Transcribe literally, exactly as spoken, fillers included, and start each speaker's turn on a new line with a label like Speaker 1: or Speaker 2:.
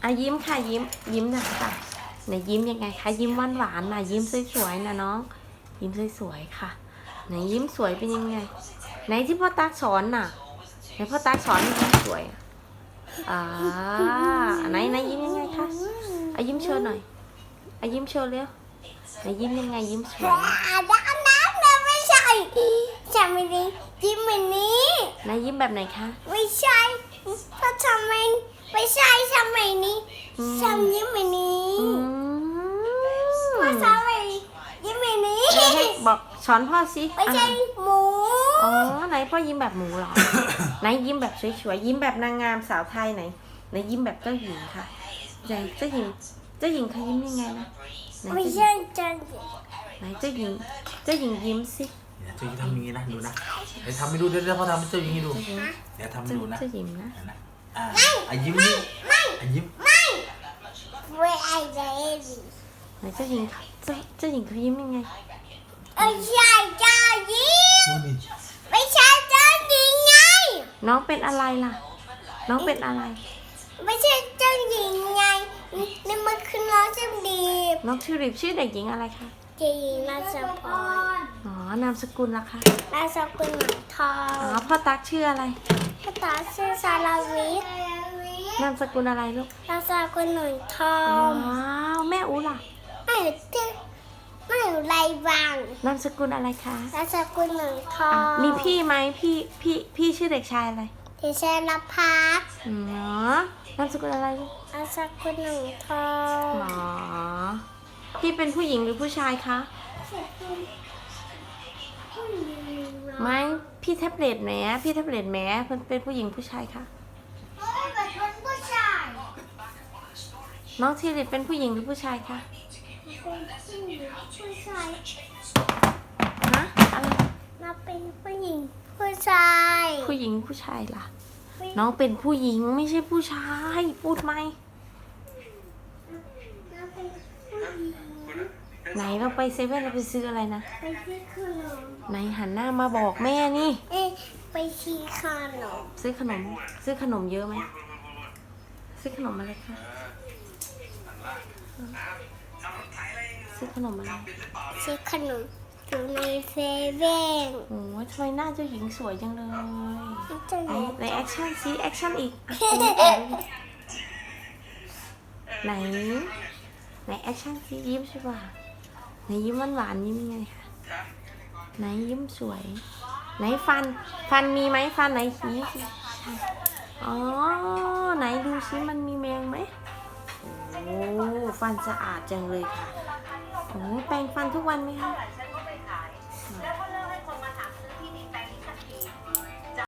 Speaker 1: อ่ะยิ้มค่ะยิ้มยิ้มหน่อยค่ะไหนยิ้มยังไงคะยิ้มหวานหวานนะยิ้มสวยๆนะน้องยิ้มสวยๆค่ะไหนยิ้มสวยเป็นยังไงไหนที่พ่อตักสอนน่ะไหนพ่อตักสอนให้ยิ้มสวยอ่าไหนไหนยิ้มยังไงคะอ่ะยิ้มโชว์หน่อยอ่ะยิ้มโชว์เร็วไหนยิ้มยังไงยิ้มสวย
Speaker 2: อาด้านนั้นนะไม่ใช่ใช่ไม่ดียิ้มแบบนี้
Speaker 1: ไหนยิ้มแบบไหนคะ
Speaker 2: ไม่ใช่เพราะทำไมไม่ใช่ทำไมนี้ทำยิ้มแบบนี้
Speaker 1: อืม
Speaker 2: เพราะทำไมยิ้มแบบนี้
Speaker 1: ให้ให้บอกสอนพ่อสิ
Speaker 2: ไม่ใช่
Speaker 1: อ่ะ
Speaker 2: หมู
Speaker 1: อ๋อไหนพ่อยิ้มแบบหมูเหรอ ไหนยิ้มแบบสวยๆยิ้มแบบนางงามสาวไทยไหนไหนยิ้มแบบเจ้าหญิงค่ะไหนเจ้าหญิงเจ้าหญิงเขายิ้มยังไงนะไหน
Speaker 2: ไม่
Speaker 1: เจ้าหญิ
Speaker 2: ใช่
Speaker 1: ง
Speaker 2: จัง
Speaker 1: ไหนเจ้าหญิงเจ้าหญิงยิ้มสิ
Speaker 3: เดี๋ยวเจ้าหญิงทำอย่างนี้นะดูนะเดี๋ยวทำให้ดูเดี๋ยวเดี๋ยวพ่อทำให้เจ้าหญิงให้ดู
Speaker 1: เจ้าหญิง
Speaker 3: เดี๋ยวทำให้
Speaker 1: เจ้า
Speaker 3: ดูนะ
Speaker 1: เจ้าหญิงนะ
Speaker 3: เห็นนะอ่าอ่ะยิ้มนี่อ่ะยิ้ม
Speaker 2: ไม่ไอ้เดวิ
Speaker 1: ไหนเจ้าหญิงเจ้าเจ้าหญิงเขายิ้มยังไง
Speaker 2: ไม่ใช่เจ้าหญิง
Speaker 3: ดูนี่
Speaker 2: ไม่ใช่เจ้าหญิงไง
Speaker 1: น้องเป็นอะไรล่ะ น้องเป็นอะไร
Speaker 2: ไม่ใช่เจ้าหญิงไงนี่มันคือน้องเจ้าดี
Speaker 1: น้องทิวลิปชื่อเด็กหญิงอะไรคะ
Speaker 2: เจ้าหญิงราชพร
Speaker 1: อ๋อนามสกุลล่ะคะ
Speaker 2: ราชกุลหนังทอ
Speaker 1: อ๋อง พ่อตักชื่ออะไร
Speaker 2: ภาษาชื่อสารวิทย์
Speaker 1: นามสกุลอะไรลูก
Speaker 2: ราชกุลหนังทอ
Speaker 1: ว้าง วแม่อูล่ะ
Speaker 2: ไม่ชื่อไม่ไรบาง
Speaker 1: นามสกุลอะไรคะ
Speaker 2: ราชกุลหนังทอ
Speaker 1: อ่ะ
Speaker 2: ง
Speaker 1: มีพี่ไหมพี่พี่พี่ชื่อเด็กชายอะไร
Speaker 2: ที่เชนพัฒน์
Speaker 1: อ๋อนามสกุลอะไรลูก
Speaker 2: ราชกุลหนังทอง
Speaker 1: อ๋อพี่เป็นผู้หญิงหรือผู้ชายคะไม่พี่แท็บเล็ตแหมพี่แท็บเล็ตแหมเป็นเป็นผู้หญิงผู้ชายคะ
Speaker 2: เป็นผู้ชาย
Speaker 1: น้องทิวลิปเป็นผู้หญิงหรือผู้ชายคะ
Speaker 2: เป็นผู้ชาย
Speaker 1: ฮะอะไร
Speaker 2: มาเป็นผู้หญิงผู้ชาย
Speaker 1: ผู้หญิงผู้ชายล่ะ น้องเป็นผู้หญิงไม่ใช่ผู้ชาย พูดไหม
Speaker 2: มาเป็นผู้หญิง
Speaker 1: ไหนเราไปเซเว่นเราไปซื้ออะไรนะ
Speaker 2: ไปซื้อขนม
Speaker 1: ไหนหันหน้ามาบอกแม่นี่
Speaker 2: เอ๊ะไปซื้อขนม
Speaker 1: ซื้อขนม ซื้อขนมเยอะไหมซื้อขนมอะไรคะซื้อขนมอะไร
Speaker 2: ซื้อขนมอยู่ในเซเว่น
Speaker 1: โอ้ยทำไมหน้าเจ้าหญิงสวยจังเลย
Speaker 2: จะ
Speaker 1: ไหน
Speaker 2: อยู่
Speaker 1: ไหนแอคชั่นซิแอคชั่นอีกอ่ะไหนไหนแอคชั่นซิยิ้มใช่ป่ะไหนยิ้มหวานหวานๆยิ้มยังไงคะไหนยิ้มสวย ไหนฟัน ฟันมีไหมฟันไหนชี้สิใช่อ๋อไหนดูซิมันมีแมงไหมโอ้ฟันสะอาดจังเลยค่ะโอ้แปรงฟันทุกวันไหมคะ